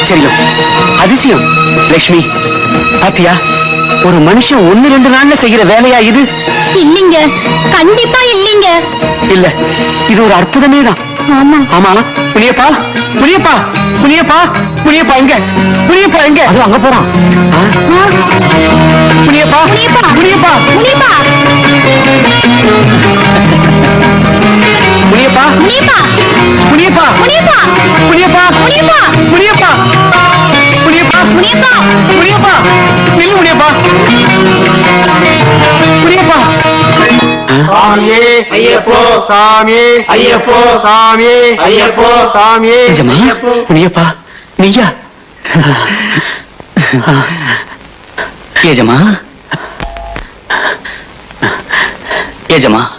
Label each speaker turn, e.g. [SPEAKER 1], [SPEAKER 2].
[SPEAKER 1] ஆச்சரியம், அதிசயம். லட்சுமி பாத்தியா, ஒரு மனுஷன் 1-2 நாள்ல செய்யற வேலையா இது?
[SPEAKER 2] இல்லீங்க, கண்டிப்பா இல்லீங்க.
[SPEAKER 1] இல்ல, இது ஒரு அற்புதமே தான்.
[SPEAKER 2] ஆமா
[SPEAKER 1] ஆமா. முனியப்பா, முனியப்பா, முனியப்பா, முனியப்பா எங்க? முனியப்பா எங்க? அது அங்க போறான். முனியப்பா,
[SPEAKER 2] முனியப்பா,
[SPEAKER 1] முனியப்பா,
[SPEAKER 2] முனியப்பா,
[SPEAKER 1] முனியப்பா,
[SPEAKER 2] முனியப்பா,
[SPEAKER 1] முனியப்பா,
[SPEAKER 2] முனியப்பா,
[SPEAKER 1] முனியப்பா,
[SPEAKER 2] முனியப்பா,
[SPEAKER 1] முனியப்பா, முனியப்பா,
[SPEAKER 2] முனியப்பா,
[SPEAKER 1] முனியப்பா, நில்லு முனியப்பா, முனியப்பா.
[SPEAKER 3] சாமியே ஐயப்போ, சாமியே ஐயப்போ, சாமியே ஐயப்போ, சாமியே
[SPEAKER 1] நிஜமா? முனியப்பா நீயா? ஏஜமா, ஏஜமா